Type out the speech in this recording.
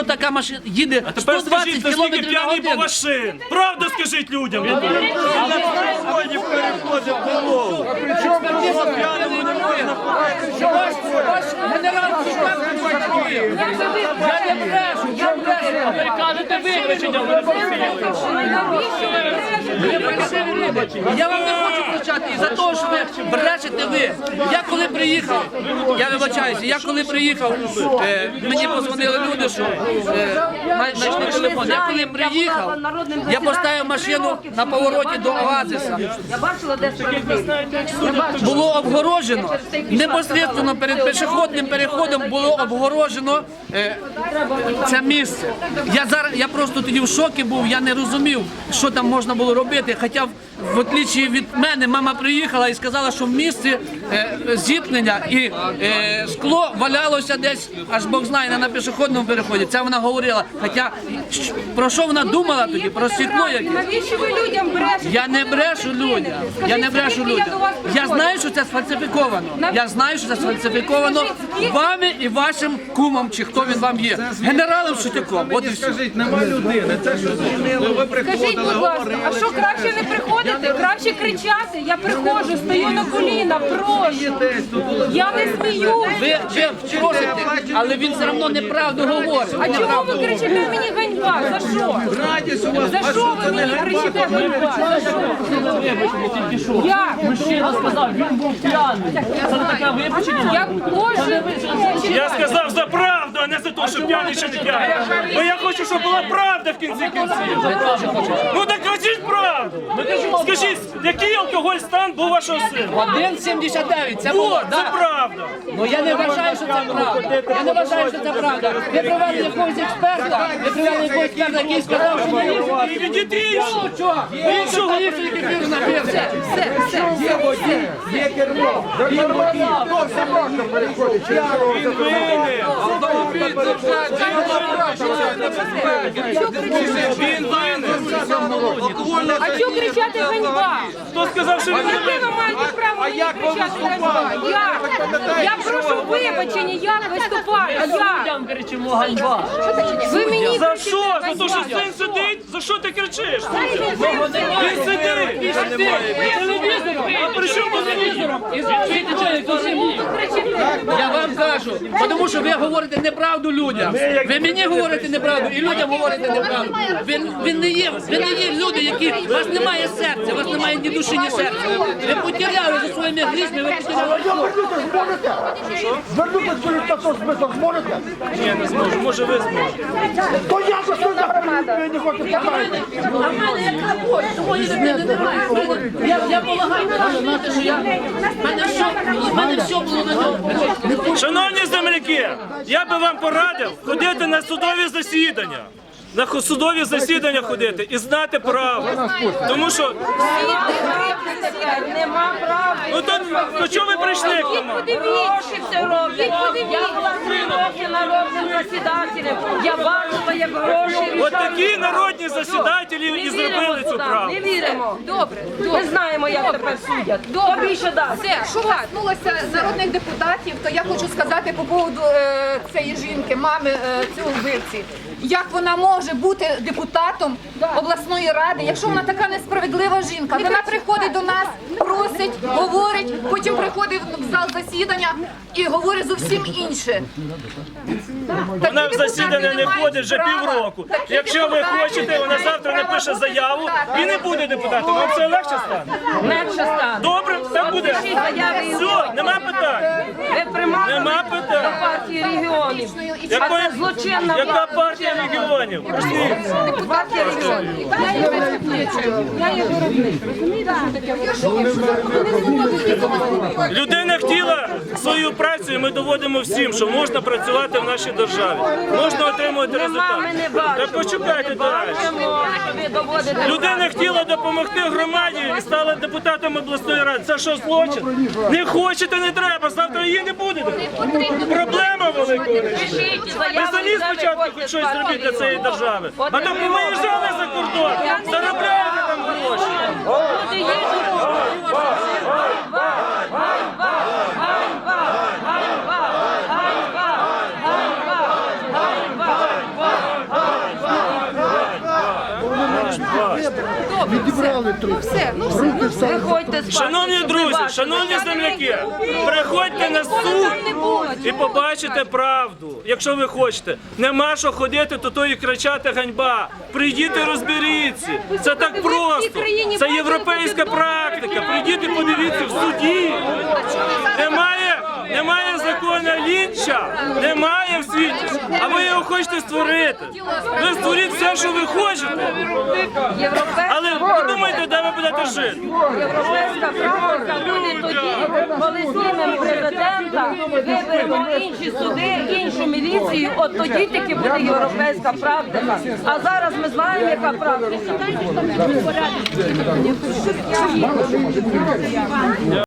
така машина їде 120 кілометрів на годину. Машин. Правду скажіть людям. Ви кажете вибачення, я вам не хочу кричати із-за того, що ви брешете ви. Я коли приїхав, я вибачаюся, я коли приїхав, мені позвонили люди, що знайшли телефон. Я коли приїхав, я поставив машину на повороті до Оазиса. Було обгорожено, непосередньо перед пішохідним переходом було обгорожено це місце. Я просто тоді в шокі був, я не розумів, що там можна було робити. Хоча, в отличі від мене, мама приїхала і сказала, що в місці зіткнення і скло валялося десь, аж Бог знає, на пішохідному переході. Це вона говорила. Хоча, про що вона думала тоді? Про стекло яке? Навіщо ви людям брешете? Я не брешу людям. Я не брешу людям. Я знаю, що це сфальсифіковано. Я знаю, що це сфальсифіковано вами і вашим кумом, чи хто він вам є. Генералом Шутяком. От і все. Скажіть, нема людини, це що зупинили, ви Скажіть, приходили, будь ласка, говорили. а що краще не приходити? Краще кричати? Я приходжу, стою на коліна, прошу. Я не сміюсь. Ви просите, але він все одно неправду говорить. А чому ви кричите мені ганьба? За що? Радість у вас, За що ви мені кричите ганьба? За що? Як? Мужчина сказав, він був п'яний. Це не таке вибачення. Я Боже, Я сказав за правду, а не за те, що п'яний чи не п'яний. Бо я хочу, щоб була правда в кінці кінців. Ну так кажіть правду. Скажіть, який алкоголь стан був вашого сина? 1,79. Це було, От, це так. правда. Ну я не вважаю, що це правда. Я не вважаю, що це правда. Ви привели якогось експерта, який сказав, що не лізе. І відійти. Чого? Іншого ліпше, який він напився. є кермо. Хто все можна переходить? Він винен. Він винен. а чого кричати ганьба? Хто сказав, що він не Яке винен? ви маєте право мені кричати ганьба? Я прошу вибачення, як виступаю? Як? Кричимо ганьба. Ви мені За кричите що? За те, ганьба. що син сидить? За що ти кричиш? Він сидить. А при чому тут телевізором? Я вам кажу, тому що ви говорите неправду людям. Ви мені говорите неправду і людям говорите неправду. Ви не є люди, які... У вас немає серця, у вас немає ні душі, ні серця. Ви потеряли за своїми грішми, ви потеряли. Звернутися перед таким смислом зможете? Ні, не зможу. Може ви зможете. То я за що ви не хочете сказати? А в мене яка боль? Твої дитини немає. Я полагаю, знаєте, що в мене все було на ньому. Шановні земляки, я би вам порадив ходити на судові засідання. На судові засідання ходити і знати право. Тому що... Нема права. Ну то чого ви прийшли к нам? Подивіться, все роблять. Я була 3 роки народним засідателем. Я бачила, як гроші От такі народні засідателі і зробили цю правду. Не віримо. Добре. Ми знаємо, як тепер судять. Добре, більше дасть. Все, що коснулося народних депутатів, то я хочу сказати по поводу цієї жінки, мами цього вбивці. Як вона може бути депутатом обласної ради, якщо вона така несправедлива жінка? Вона приходить до нас, просить, говорить, потім приходить в зал засідання і говорить зовсім інше. Вона в засідання не ходить вже півроку. Якщо ви хочете, вона завтра напише заяву і не буде депутатом. Вам це легше стане? Легше стане. Добре, так буде. Все, нема питань. Ви примали Нема до питань. партії регіонів. Якої- це злочинна Яка влада. партія регіонів? Пішли. Партія регіонів. Я є виробник. Розумієте, що таке? Людина хотіла свою працю, і ми доводимо всім, що можна працювати в нашій державі. Можна отримувати результат. Ми не бачимо. Та почекайте далі. Бачимо, що ви доводите. Людина хотіла допомогти громаді і стала депутатом обласної ради. Це що, злочин? Не хочете, не треба. Завтра її не буде. Проблема велика. Пишіть Ви заяву, самі де ви спочатку хоч хочете щось зробити для цієї держави. От А то ви повиїжджали за кордон, заробляєте там гроші. Люди їдуть. Ганьба! Ганьба! Ганьба! Ганьба! Ганьба! Ганьба! Відібрали трохи. Руки встали. Виходьте з Шановні друзі, шановні земляки, приходьте на суд і побачите правду, якщо ви хочете. Нема що ходити тут і кричати ганьба. Прийдіть і розберіться. Це так просто. Це європейська практика. Прийдіть і подивіться в суді. Немає закону Лінча, немає в світі, а ви його хочете створити. Ви створіть все, що ви хочете. Але подумайте, де ви будете жити. Європейська практика буде тоді, коли знімемо президента, виберемо інші суди, іншу міліцію, от тоді тільки буде європейська практика. А зараз ми знаємо, яка практика.